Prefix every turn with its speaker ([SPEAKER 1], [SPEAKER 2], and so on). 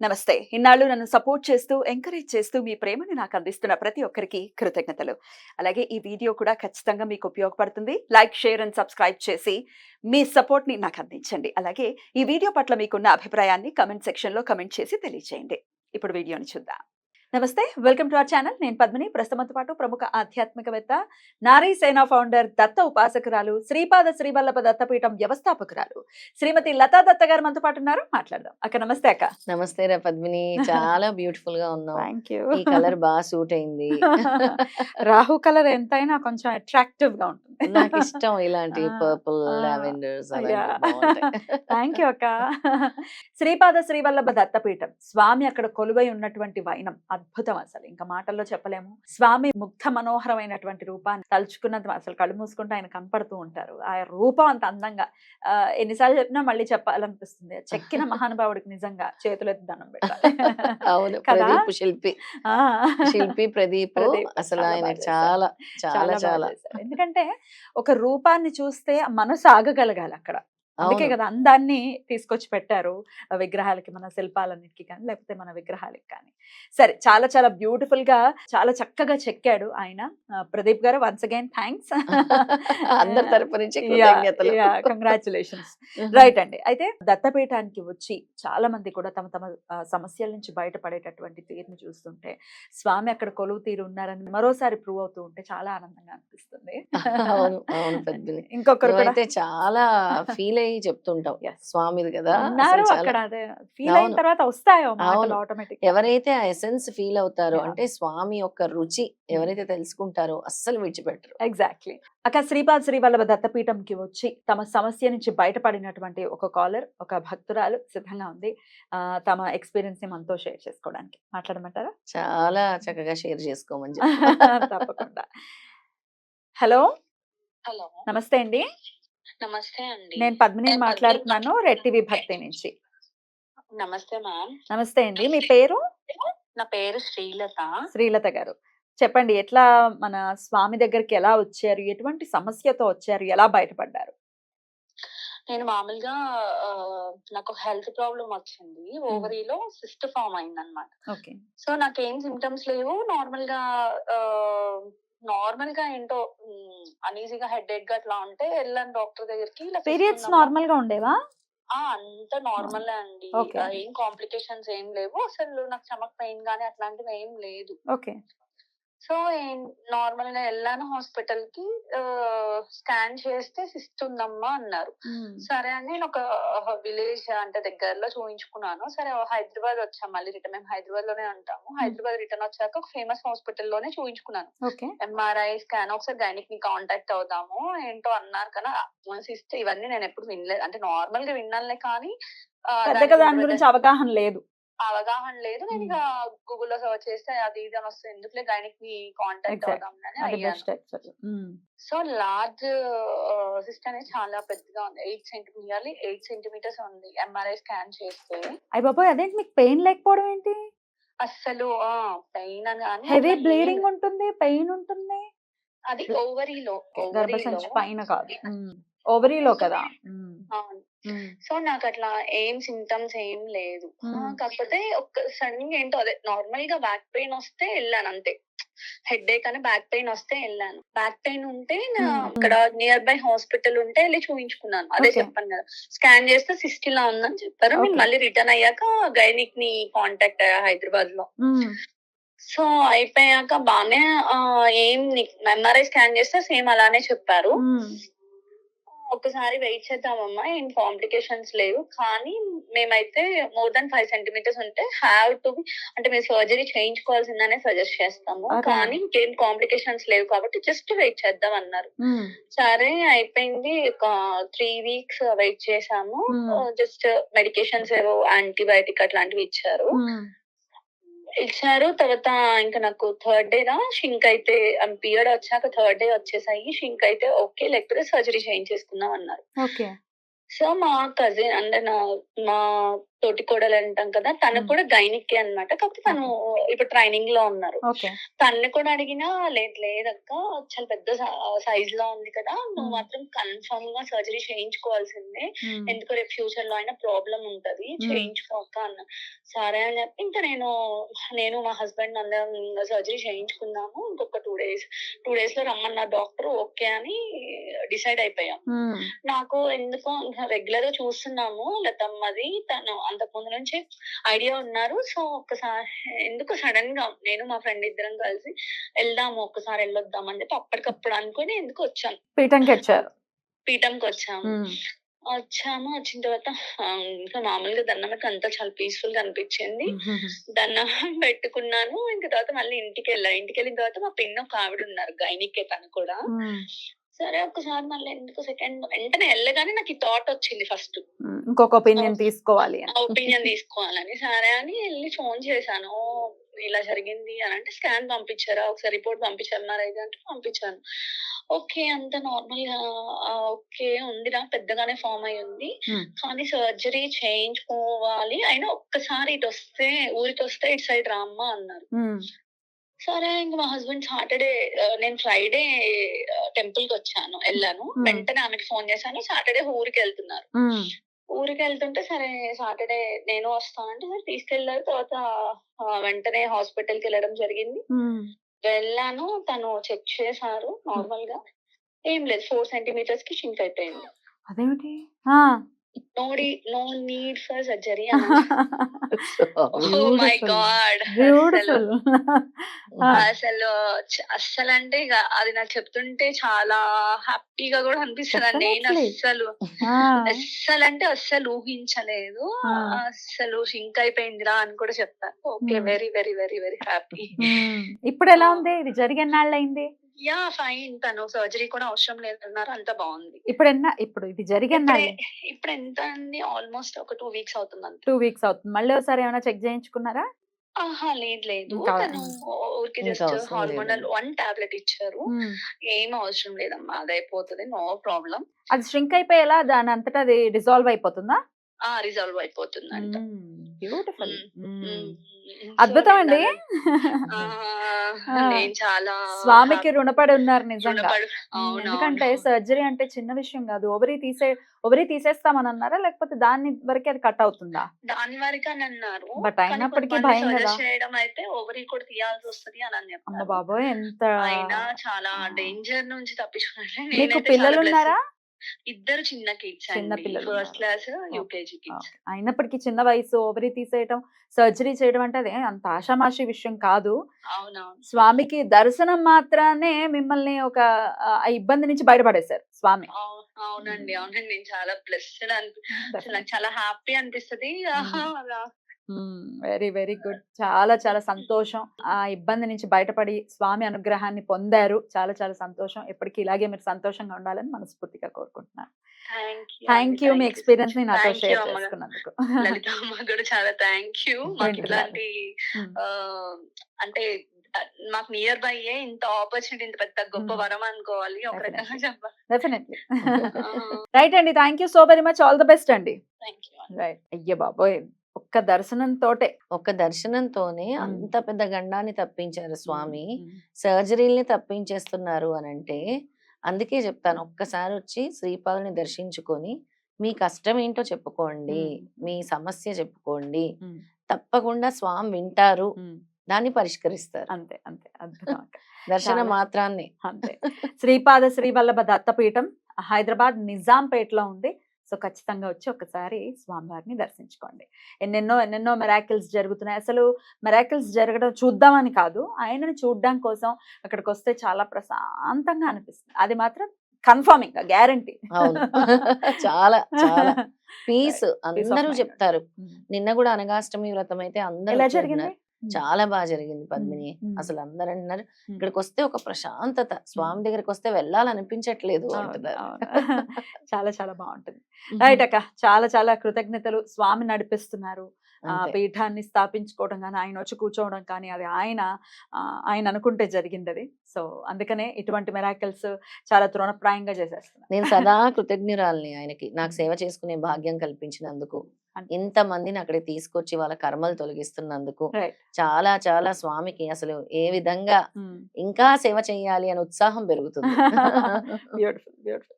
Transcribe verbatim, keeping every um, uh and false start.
[SPEAKER 1] నమస్తే. ఇన్నాళ్ళు నన్ను సపోర్ట్ చేస్తూ, ఎంకరేజ్ చేస్తూ మీ ప్రేమని నాకు అందిస్తున్న ప్రతి ఒక్కరికి కృతజ్ఞతలు. అలాగే ఈ వీడియో కూడా ఖచ్చితంగా మీకు ఉపయోగపడుతుంది. లైక్, షేర్ అండ్ సబ్స్క్రైబ్ చేసి మీ సపోర్ట్‌ని నాకు అందించండి. అలాగే ఈ వీడియో పట్ల మీకున్న అభిప్రాయాన్ని కామెంట్ సెక్షన్‌లో కామెంట్ చేసి తెలియజేయండి. ఇప్పుడు వీడియోని చూద్దాం. నమస్తే. Welcome to our channel. నేను పద్మిని. ప్రస్తుతంతో పాటు ప్రముఖ ఆధ్యాత్మికవేత్త, నారీ సేన ఫౌండర్, దత్త ఉపాసకురాలు, శ్రీపాద శ్రీవల్లభ దత్తపీఠం వ్యవస్థాపకురాలు శ్రీమతి లతా దత్త గారు మనతో పాటు ఉన్నారు. మాట్లాడదాం. అక్క నమస్తే అక్క.
[SPEAKER 2] నమస్తే రా పద్మిని, చాలా బ్యూటిఫుల్ గా ఉన్నావు.
[SPEAKER 1] Thank you.
[SPEAKER 2] ఈ కలర్ బాగా సూట్ అయింది.
[SPEAKER 1] రాహు కలర్ ఎంతైనా కొంచెం అట్రాక్టివ్ గా ఉంటుంది.
[SPEAKER 2] నాకు ఇష్టం ఇలాంటి పర్పుల్ లావెండర్స్
[SPEAKER 1] థ్యాంక్ యూ అక్క. శ్రీపాద శ్రీవల్లభ దత్తపీఠం స్వామి అక్కడ కొలువై ఉన్నటువంటి వైనం అద్భుతం. అసలు ఇంకా మాటల్లో చెప్పలేము. స్వామి ముగ్ధ మనోహరమైనటువంటి రూపాన్ని తలుచుకున్నంత అసలు కళ్ళు మూసుకుంటే ఆయన కనపడుతూ ఉంటారు. ఆ రూపం అంత అందంగా ఆ, ఎన్నిసార్లు చెప్పినా మళ్ళీ చెప్పాలనిపిస్తుంది. చెక్కిన మహానుభావుడికి నిజంగా చేతులెత్తి దండం పెట్టాలి.
[SPEAKER 2] అవును,
[SPEAKER 1] కదా?
[SPEAKER 2] ప్రదీప్ శిల్పి
[SPEAKER 1] ఆ.
[SPEAKER 2] శిల్పి ప్రదీప్
[SPEAKER 1] ప్రదీప్
[SPEAKER 2] అసలు
[SPEAKER 1] చాలా
[SPEAKER 2] ఆయన
[SPEAKER 1] బాగా
[SPEAKER 2] చాలా
[SPEAKER 1] చాలా
[SPEAKER 2] చాలా
[SPEAKER 1] బాగా
[SPEAKER 2] చాలా
[SPEAKER 1] చేశారు. ఎందుకంటే ఒక రూపాన్ని చూస్తే మనసు ఆగగలగాలి అక్కడ. అందుకే
[SPEAKER 2] అవును.
[SPEAKER 1] కదా అందాన్ని తీసుకొచ్చి పెట్టారు ఆ విగ్రహాలకి, మన శిల్పాలన్నిటికీ కానీ లేకపోతే మన విగ్రహాలకి కానీ. సరే, చాలా చాలా బ్యూటిఫుల్ గా చాలా చక్కగా చెక్కాడు ఆయన. ఆ, ప్రదీప్ గారు వన్స్ అగైన్ థ్యాంక్స్.
[SPEAKER 2] అందరి తరపు నుంచి కృతజ్ఞతలు.
[SPEAKER 1] కంగ్రాచులేషన్స్. రైట్ అండి. అయితే దత్తపీఠానికి వచ్చి చాలా మంది కూడా తమ తమ ఆ, సమస్యల నుంచి బయటపడేటటువంటి తీరుని చూస్తుంటే స్వామి అక్కడ కొలువు తీరు ఉన్నారని మరోసారి ప్రూవ్ అవుతూ ఉంటే చాలా ఆనందంగా అనిపిస్తుంది.
[SPEAKER 2] అవును అవును పద్మిని,
[SPEAKER 1] ఇంకొకరు కూడా
[SPEAKER 2] నువ్వైతే చాలా ఫీల్ అయ్యి చెప్తుంటావు.
[SPEAKER 1] Yes.
[SPEAKER 2] స్వామిది కదా
[SPEAKER 1] ఉన్నారు
[SPEAKER 2] అసలు చాలా.
[SPEAKER 1] అక్కడ. అదే ఫీల్ అయిన
[SPEAKER 2] అవును.
[SPEAKER 1] తర్వాత వస్తాయో మాటలు
[SPEAKER 2] అవును.
[SPEAKER 1] ఆటోమేటిక్.
[SPEAKER 2] ఎవరైతే ఆ ఎసెన్స్ ఫీల్ అవుతారో,
[SPEAKER 1] Yeah.
[SPEAKER 2] అంటే స్వామి యొక్క రుచి ఎవరైతే తెలుసుకుంటారో అస్సలు విడిచిపెట్టరు.
[SPEAKER 1] ఎగ్జాక్ట్లీ. అక్క శ్రీపాద శ్రీవల్లభ దత్తపీఠంకి వచ్చి తమ సమస్య నుంచి బయటపడినటువంటి ఒక కాలర్, ఒక భక్తురాలు సిద్ధంగా ఉంది ఆ, తమ ఎక్స్పీరియన్స్ ని మనతో షేర్ చేసుకోవడానికి. మాట్లాడమంటారా?
[SPEAKER 2] చాలా చక్కగా షేర్ చేసుకోమని చెప్పు.
[SPEAKER 1] తప్పకుండా. హలో,
[SPEAKER 3] హలో,
[SPEAKER 1] నమస్తే అండి.
[SPEAKER 3] నమస్తే అండి.
[SPEAKER 1] నేను పద్మిని
[SPEAKER 3] నేను
[SPEAKER 1] మాట్లాడుతున్నాను, రెడ్ టీవీ భక్తి నుంచి.
[SPEAKER 3] నమస్తే మ్యామ్.
[SPEAKER 1] నమస్తే అండి. మీ పేరు?
[SPEAKER 3] నా పేరు శ్రీలత.
[SPEAKER 1] శ్రీలత గారు, చెప్పండి ఎట్లా మన స్వామి దగ్గరికి ఎలా వచ్చారు, ఎటువంటి సమస్యతో వచ్చారు, ఎలా బయటపడ్డారు?
[SPEAKER 3] నేను మామూలుగా ఆ, నాకు హెల్త్ ప్రాబ్లం వచ్చింది. ఓవరీలో సిస్ట్ ఫామ్ అయిందన్నమాట.
[SPEAKER 1] ఓకే.
[SPEAKER 3] సో నాకేం సిమ్టమ్స్ లేవు. నార్మల్ గా నార్మల్ గా ఏంటో అనీజీగా హెడ్ ఏక్ గా అట్లా ఉంటే వెళ్ళాను డాక్టర్ దగ్గరికి. ఇలా
[SPEAKER 1] పీరియడ్స్
[SPEAKER 3] చూసుకున్నామా?
[SPEAKER 1] నార్మల్ గా ఉండేవా?
[SPEAKER 3] ఆ, అంత నార్మల్ అండి.
[SPEAKER 1] Okay.
[SPEAKER 3] ఆ, ఏం కాంప్లికేషన్స్ ఏం లేవు. అసలు నాకు స్టమక్ పెయిన్ గానీ అట్లాంటివి ఏం లేదు.
[SPEAKER 1] ఓకే.
[SPEAKER 3] సో నార్మల్ గా వెళ్ళాను హాస్పిటల్ కి. స్కాన్ చేస్తే సిస్ట్ ఉందమ్మా అన్నారు. సరే అని నేను ఒక విలేజ్ అంటే దగ్గరలో చూపించుకున్నాను. సరే హైదరాబాద్ వచ్చాం, మళ్ళీ రిటర్న్. మేము హైదరాబాద్ లోనే ఉంటాము. హైదరాబాద్ రిటర్న్ వచ్చాక ఒక ఫేమస్ హాస్పిటల్ లోనే చూపించుకున్నాను.
[SPEAKER 1] ఓకే.
[SPEAKER 3] ఎంఆర్ఐ స్కాన్, ఒకసారి గైనిక్ ని కాంటాక్ట్ అవుదాము ఏంటో అన్నారు. కదా సిస్ట్ ఇవన్నీ నేను ఎప్పుడు వినలేదు. అంటే నార్మల్ గా విన్నానులే కానీ ఆ,
[SPEAKER 1] పెద్దగా
[SPEAKER 3] దాని
[SPEAKER 1] దాని గురించి అవగాహన లేదు.
[SPEAKER 3] అవగాహన లేదు. నేను ఇక గూగుల్లో సర్చ్ చేస్తే అది ఇది అని వస్తుంది. ఎందుకులే గైనిక్ ని కాంటాక్ట్
[SPEAKER 1] Exact.
[SPEAKER 3] అవుదాం అని
[SPEAKER 1] అది
[SPEAKER 3] అయ్యాను.
[SPEAKER 1] Best actually.
[SPEAKER 3] So large cyst అనేది చాలా పెద్దగా ఉంది. Eight centimetre nearly eight centimetres ఉంది. ఎంఆర్ఐ స్కాన్ చేస్తే
[SPEAKER 1] అయ్య బాబోయ్, అదేంటి మీకు పెయిన్ లేకపోవడం ఏంటి?
[SPEAKER 3] అస్సలు పెయిన్ అని కానీ
[SPEAKER 1] హెవీ
[SPEAKER 3] అట్లా ఏం
[SPEAKER 1] బ్లీడింగ్ ఉంటుంది, పెయిన్ ఉంటుంది.
[SPEAKER 3] అది ఓవరీలో
[SPEAKER 1] గర్భసంచి పైన కాదు, ఓవరీలో కదా. మ్మ్. మ్మ్.
[SPEAKER 3] సో నాకు అట్లా ఏం సిమ్టమ్స్ ఏం లేదు. ఆ,
[SPEAKER 1] మ్మ్.
[SPEAKER 3] కాకపోతే ఒక సడన్ గా ఏంటో అదే నార్మల్ గా బ్యాక్ పెయిన్ వస్తే వెళ్ళాను అంతే. హెడ్ ఏక్ అని బ్యాక్ పెయిన్ వస్తే వెళ్ళాను. బ్యాక్ పెయిన్ ఉంటే నా
[SPEAKER 1] మ్మ్.
[SPEAKER 3] అక్కడ నియర్ బై హాస్పిటల్ ఉంటే వెళ్ళి చూపించుకున్నాను. అదే
[SPEAKER 1] Okay.
[SPEAKER 3] చెప్పాను కదా, స్కాన్ చేస్తే సిస్ట్ ఇలా ఉందని చెప్పారు. నేను
[SPEAKER 1] Okay.
[SPEAKER 3] మళ్ళీ రిటర్న్ అయ్యాక గైనిక్ ని కాంటాక్ట్ అయ్యా హైదరాబాద్ లో.
[SPEAKER 1] మ్మ్.
[SPEAKER 3] సో అయిపోయాక బానే ఆ, ఏం ఎంఆర్ఐ స్కాన్ చేస్తే సేమ్ అలానే చెప్పారు.
[SPEAKER 1] మ్మ్.
[SPEAKER 3] ఒకసారి వెయిట్ చేద్దామమ్మా, ఏం కాంప్లికేషన్స్ లేవు. కానీ మేమైతే మోర్ దాన్ ఫైవ్ సెంటీమీటర్స్ ఉంటే హ్యావ్ టు అంటే మీరు సర్జరీ చేయించుకోవాల్సిందనే సజెస్ట్ చేస్తాము.
[SPEAKER 1] అరే.
[SPEAKER 3] కానీ ఇంకేం కాంప్లికేషన్స్ లేవు కాబట్టి జస్ట్ వెయిట్ చేద్దాం అన్నారు.
[SPEAKER 1] మ్మ్.
[SPEAKER 3] సరే అయిపోయింది. ఒక త్రీ వీక్స్ వెయిట్ చేసాము.
[SPEAKER 1] Hmm.
[SPEAKER 3] జస్ట్ మెడికేషన్స్ ఏవో యాంటీబయాటిక్ అట్లాంటివి ఇచ్చారు.
[SPEAKER 1] మ్మ్.
[SPEAKER 3] ఇచ్చారు తర్వాత ఇంకా నాకు థర్డ్ డే రా షింక్ అయితే పీరియడ్ వచ్చాక థర్డ్ డే వచ్చేసాయి. షింక్ అయితే ఓకే, లేకపోతే సర్జరీ చేయించేసుకుందాం అన్నారు.
[SPEAKER 1] ఓకే.
[SPEAKER 3] సో మా కజిన్ అంటే నా మా తోటి కోడలు అంటాం కదా, తను
[SPEAKER 1] మ్మ్.
[SPEAKER 3] కూడా గైనిక్ అన్నమాట. కాకపోతే తను ఇప్పుడు ట్రైనింగ్ లో ఉన్నారు.
[SPEAKER 1] ఓకే.
[SPEAKER 3] తన్ని కూడా అడిగినా లేదు లేదక్క, చాలా పెద్ద సైజ్ లో ఉంది కదా, నువ్వు
[SPEAKER 1] మ్మ్.
[SPEAKER 3] మాత్రం కన్ఫర్మ్ గా సర్జరీ చేయించుకోవాల్సిందే,
[SPEAKER 1] మ్మ్.
[SPEAKER 3] ఎందుకు రేపు ఫ్యూచర్ లో అయినా ప్రాబ్లం ఉంటది,
[SPEAKER 1] మ్మ్.
[SPEAKER 3] చేయించుకోక అన్న. సరే అని చెప్పి ఇంకా నేను నేను మా హస్బెండ్ అందరం సర్జరీ చేయించుకున్నాము. ఇంకొక టూ డేస్ టూ డేస్ లో రమ్మన్న డాక్టర్ ఓకే అని డిసైడ్ అయిపోయాం.
[SPEAKER 1] మ్మ్.
[SPEAKER 3] నాకు ఎందుకో రెగ్యులర్ గా చూస్తున్నాము లతమ్మది, తను అంతకు ముందు నుంచి ఐడియా ఉన్నారు. సో ఒక్కసారి ఎందుకు సడన్ గా నేను మా ఫ్రెండ్ ఇద్దరం కలిసి వెళ్దాము, ఒక్కసారి వెళ్ళొద్దాం అని చెప్పి అప్పటికప్పుడు అనుకుని ఎందుకు వచ్చాను,
[SPEAKER 1] పీఠంకి వచ్చారు.
[SPEAKER 3] పీఠంకి వచ్చాము.
[SPEAKER 1] మ్మ్.
[SPEAKER 3] వచ్చాము వచ్చిన తర్వాత ఆ, ఇంకా మామూలుగా దండం అంతా చాలా పీస్ఫుల్ గా అనిపించింది. దండం పెట్టుకున్నాను. ఇంకా తర్వాత మళ్ళీ ఇంటికి వెళ్ళా. ఇంటికి వెళ్ళిన తర్వాత మా పిన్న ఒక ఆవిడ ఉన్నారు, గైనికే తను కూడా.
[SPEAKER 1] మ్మ్.
[SPEAKER 3] సరే ఒకసారి మళ్ళీ ఎందుకు సెకండ్ వెంటనే వెళ్ళగానే నాకు ఈ థాట్ వచ్చింది ఫస్ట్,
[SPEAKER 1] మ్మ్. ఇంకొక ఒపీనియన్ తీసుకోవాలి అని.
[SPEAKER 3] ఒపీనియన్ తీసుకోవాలని. సరే అని వెళ్ళి ఫోన్ చేశాను, "ఓ, ఇలా జరిగింది అని అంటే స్కాన్ పంపించారా, ఒకసారి రిపోర్ట్ పంపించారు మరి అయితే అంటే పంపించాను. ఓకే అంత నార్మల్ గా ఆ, ఓకే ఉందిరా, పెద్దగానే ఫామ్ అయి ఉంది,
[SPEAKER 1] మ్మ్.
[SPEAKER 3] కానీ సర్జరీ చేయించుకోవాలి, అయినా ఒక్కసారి ఇటు వస్తే ఊరికి వస్తే ఇటు సైడ్ రామ్మా అన్నారు.
[SPEAKER 1] మ్మ్.
[SPEAKER 3] సరే ఇంక మా హస్బెండ్ సాటర్డే, నేను ఫ్రైడే టెంపుల్ కి వచ్చాను, వెళ్ళాను.
[SPEAKER 1] మ్మ్.
[SPEAKER 3] వెంటనే ఆమెకి ఫోన్ చేశాను, సాటర్డే ఊరికి వెళ్తున్నారు.
[SPEAKER 1] మ్మ్.
[SPEAKER 3] ఊరికి వెళ్తుంటే సరే సాటర్డే నేను వస్తానంటే సరే తీసుకెళ్లారు. తర్వాత ఆ, వెంటనే హాస్పిటల్ కి వెళ్ళడం జరిగింది.
[SPEAKER 1] మ్మ్.
[SPEAKER 3] వెళ్ళాను, తను చెక్ చేశారు. నార్మల్ గా ఏం లేదు, ఫోర్ సెంటీమీటర్స్ కి షింక్ అయిపోయింది.
[SPEAKER 1] అదేమిటి? ఆ.
[SPEAKER 3] No no need for surgery అన్నారు. ఓ మై
[SPEAKER 1] బ్యూటిఫుల్
[SPEAKER 3] గాడ్, అసలు
[SPEAKER 1] బ్యూటిఫుల్.
[SPEAKER 3] అసలు చ- అస్సలు అంటే ఇక అది నాకు చెప్తుంటే చాలా హ్యాపీగా కూడా అనిపిస్తుంది. నేను
[SPEAKER 1] Definitely.
[SPEAKER 3] అస్సలు అస్సలు అంటే అస్సలు ఊహించలేదు. అస్సలు షింక్ అయిపోయిందిరా అని కూడా చెప్తాను. Okay,
[SPEAKER 1] Hmm.
[SPEAKER 3] Very very very very happy.
[SPEAKER 1] ఇప్పుడు ఎలా ఉంది? ఇది జరిగి ఎన్నాళ్ళైంది?
[SPEAKER 3] యా ఫైన్, తను సర్జరీ కూడా అవసరం లేదన్నారు, అంత బాగుంది.
[SPEAKER 1] ఇప్పుడు ఎన్న ఇప్పుడు ఇది జరిగి
[SPEAKER 3] ఇప్పుడే
[SPEAKER 1] ఎన్నాళ్ళు?
[SPEAKER 3] ఇప్పుడు ఎంత అండి, ఆల్మోస్ట్ ఒక టూ వీక్స్ అవుతుంది అంతే.
[SPEAKER 1] టూ వీక్స్ అవుతుంది. మళ్ళీ ఒకసారి ఏమైనా చెక్ చేయించుకున్నారా?
[SPEAKER 3] ఆహా లేదు లేదు,
[SPEAKER 1] ఇంకా
[SPEAKER 3] తను ఊరికి
[SPEAKER 2] ఇంకా
[SPEAKER 3] జస్ట్
[SPEAKER 2] అవసరం
[SPEAKER 3] హార్మోనల్
[SPEAKER 2] లేదండి.
[SPEAKER 3] వన్ టాబ్లెట్ ఇచ్చారు.
[SPEAKER 1] మ్మ్.
[SPEAKER 3] ఏం అవసరం లేదమ్మా, అది అయిపోతుంది, నో ప్రాబ్లం.
[SPEAKER 1] అది ష్రింక్ అయిపోయేలా దాని అంతటా అది డిజాల్వ్ అయిపోతుందా?
[SPEAKER 3] ఆ రిజాల్వ్ అయిపోతుందంట.
[SPEAKER 1] బ్యూటిఫుల్.
[SPEAKER 3] మ్మ్. మ్మ్. సో
[SPEAKER 1] అద్భుతం
[SPEAKER 3] నేను
[SPEAKER 1] అండి.
[SPEAKER 3] దాని- ఆ, నేను చాలా
[SPEAKER 1] స్వామికి రుణపడి ఉన్నారు నిజంగా.
[SPEAKER 3] రుణపడు.
[SPEAKER 1] ఉమ్,
[SPEAKER 3] అవును
[SPEAKER 1] ఎందుకంటే
[SPEAKER 3] అవును.
[SPEAKER 1] సర్జరీ అంటే చిన్న విషయం కాదు. ఓవరీ తీసే ఓవరీ తీసేస్తామని అన్నారా, లేకపోతే దాని వరకే అది కట్ అవుతుందా?
[SPEAKER 3] దాని వరకు అని అన్నారు.
[SPEAKER 1] బట్
[SPEAKER 3] కానీ
[SPEAKER 1] అయినప్పటికీ
[SPEAKER 3] కొంతమంది
[SPEAKER 1] భయం
[SPEAKER 3] సజెస్ట్
[SPEAKER 1] కదా.
[SPEAKER 3] చేయడం అయితే ఓవరీ కూడా తీయాల్సి వస్తుంది అని అని
[SPEAKER 1] అమ్మ
[SPEAKER 3] చెప్పారు.
[SPEAKER 1] బాబోయ్, ఎంత
[SPEAKER 3] అయినా చాలా
[SPEAKER 1] ఆ.
[SPEAKER 3] డేంజర్ నుంచి తప్పించుకున్నాను.
[SPEAKER 1] మీకు
[SPEAKER 3] నేనైతే చాలా
[SPEAKER 1] పిల్లలు
[SPEAKER 3] బ్లెస్.
[SPEAKER 1] ఉన్నారా?
[SPEAKER 3] ఇద్దరు చిన్న కిడ్స్
[SPEAKER 1] చిన్న
[SPEAKER 3] అండి,
[SPEAKER 1] పిల్లలు
[SPEAKER 3] ఫస్ట్
[SPEAKER 1] ఉన్నారు.
[SPEAKER 3] Class UKG kids.
[SPEAKER 1] ఓకే. అయినప్పటికీ చిన్న వయసు ఓవరీ తీసేయటం, సర్జరీ చేయడం అంటే అదే అంత ఆషామాషి విషయం కాదు.
[SPEAKER 3] అవునవును.
[SPEAKER 1] స్వామికి దర్శనం మాత్రానే మిమ్మల్ని ఒక ఆ ఆ ఇబ్బంది నుంచి బయటపడేశారు స్వామి.
[SPEAKER 3] అవు- అవునండి అవునండి, నేను చాలా బ్లెస్డ్ అనిపి అసలు
[SPEAKER 1] Definitely.
[SPEAKER 3] నాకు చాలా హ్యాపీ అనిపిస్తది. ఆహా, అలా.
[SPEAKER 1] Very very good. చాలా చాలా సంతోషం. ఆ ఇబ్బంది నుంచి బయటపడి స్వామి అనుగ్రహాన్ని పొందారు. చాలా చాలా సంతోషం. ఎప్పటికీ ఇలాగే మీరు సంతోషంగా ఉండాలని మనస్ఫూర్తిగా కోరుకుంటున్నాను.
[SPEAKER 3] థ్యాంక్ యూ
[SPEAKER 1] థ్యాంక్ యూ మీ ఎక్స్పీరియన్స్ ని నాతో
[SPEAKER 3] థ్యాంక్ యూ
[SPEAKER 1] షేర్
[SPEAKER 3] అమ్మ,
[SPEAKER 1] చేసుకున్నందుకు.
[SPEAKER 3] లలిత అమ్మ కూడా చాలా థ్యాంక్ యూ. మాకు
[SPEAKER 1] ఏంటి
[SPEAKER 3] ఇట్లాంటి
[SPEAKER 1] ఉమ్,
[SPEAKER 3] ఆ, అంటే ఆ, మాకు నియర్ బై ఇంత ఆపర్చునిటీ, ఇంత పెద్ద గొప్ప
[SPEAKER 1] Hmm.
[SPEAKER 3] వరం అనుకోవాలి ఒక రకంగా
[SPEAKER 1] Definitely.
[SPEAKER 3] చెప్పాలి.
[SPEAKER 1] డెఫినెట్లీ. రైట్ అండి. Thank you so very much. All the best అండి.
[SPEAKER 3] Thank you.
[SPEAKER 1] రైట్. అయ్యో బాబోయ్, ఒక్క దర్శనం తోటే
[SPEAKER 2] ఒక్క దర్శనంతోనే
[SPEAKER 1] మ్మ్.
[SPEAKER 2] అంత పెద్ద గండాన్ని తప్పించారు స్వామి.
[SPEAKER 1] ఉమ్,
[SPEAKER 2] సర్జరీల్ని తప్పించేస్తున్నారు అని అంటే అందుకే చెప్తాను, ఒక్కసారి వచ్చి శ్రీపాదుని దర్శించుకొని మీ కష్టం ఏంటో చెప్పుకోండి,
[SPEAKER 1] ఉమ్,
[SPEAKER 2] మీ సమస్య చెప్పుకోండి,
[SPEAKER 1] ఉమ్,
[SPEAKER 2] తప్పకుండా స్వామి వింటారు,
[SPEAKER 1] ఉమ్.
[SPEAKER 2] దాన్ని పరిష్కరిస్తారు.
[SPEAKER 1] అంతే అంతే. అద్భుతం.
[SPEAKER 2] దర్శన
[SPEAKER 1] చాలా.
[SPEAKER 2] మాత్రాన్ని.
[SPEAKER 1] అంతే. శ్రీపాద శ్రీవల్లభ దత్తపీఠం హైదరాబాద్ నిజాంపేటలో ఉంది. సో ఖచ్చితంగా వచ్చి ఒకసారి స్వామివారిని దర్శించుకోండి. ఎన్నెన్నో ఎన్నెన్నో మెరాకిల్స్ జరుగుతున్నాయి. అసలు మెరాకిల్స్ జరగడం చూద్దామని కాదు, ఆయనని చూడడం కోసం అక్కడికి వస్తే చాలా ప్రశాంతంగా అనిపిస్తుంది. అది మాత్రం కన్ఫర్మింగ్ గ్యారంటీ.
[SPEAKER 2] అవును. చాలా చాలా పీస్ అందరూ
[SPEAKER 1] mind.
[SPEAKER 2] చెప్తారు. నిన్న కూడా అనగాష్టమి వ్రతం అయితే అందరూ
[SPEAKER 1] ఎలా
[SPEAKER 2] వచ్చి
[SPEAKER 1] జరిగింది?
[SPEAKER 2] అంటున్నారు, చాలా బాగా జరిగింది పద్మిని.
[SPEAKER 1] ఉమ్.
[SPEAKER 2] అసలు అందరూ అంటున్నారు
[SPEAKER 1] ఉమ్.
[SPEAKER 2] ఇక్కడికి వస్తే ఒక ప్రశాంతత, స్వామి దగ్గరికి వస్తే వెళ్ళాలనిపించట్లేదు
[SPEAKER 1] అవును,
[SPEAKER 2] అంటున్నారు.
[SPEAKER 1] అవును. చాలా చాలా బాగుంటుంది. రైట్ అక్క, చాలా చాలా కృతజ్ఞతలు. స్వామి నడిపిస్తున్నారు, ఆ
[SPEAKER 2] అంతే.
[SPEAKER 1] పీఠాన్ని స్థాపించుకోవడం కానీ, ఆయన వచ్చి కూర్చోవడం కానీ, అది ఆయన ఆహ్, ఆయన అనుకుంటే జరిగిందది. సో, అందుకనే ఇటువంటి మిరాకిల్స్ చాలా తృణప్రాయంగా చేసేస్తున్నారు.
[SPEAKER 2] నేను సదా కృతజ్ఞురాలిని ఆయనకి. నాకు
[SPEAKER 1] హ్మ్.
[SPEAKER 2] సేవ చేసుకునే భాగ్యం కల్పించినందుకు.
[SPEAKER 1] అన్
[SPEAKER 2] ఇంతమందిని అక్కడికి తీసుకొచ్చి వాళ్ళ కర్మలు తొలగిస్తున్నందుకు.
[SPEAKER 1] రైట్.
[SPEAKER 2] చాలా చాలా స్వామికి అసలు ఏ విధంగా
[SPEAKER 1] హ్మ్.
[SPEAKER 2] ఇంకా సేవ చేయాలి అనే ఉత్సాహం పెరుగుతుంది.
[SPEAKER 1] బ్యూటిఫుల్. బ్యూటిఫుల్.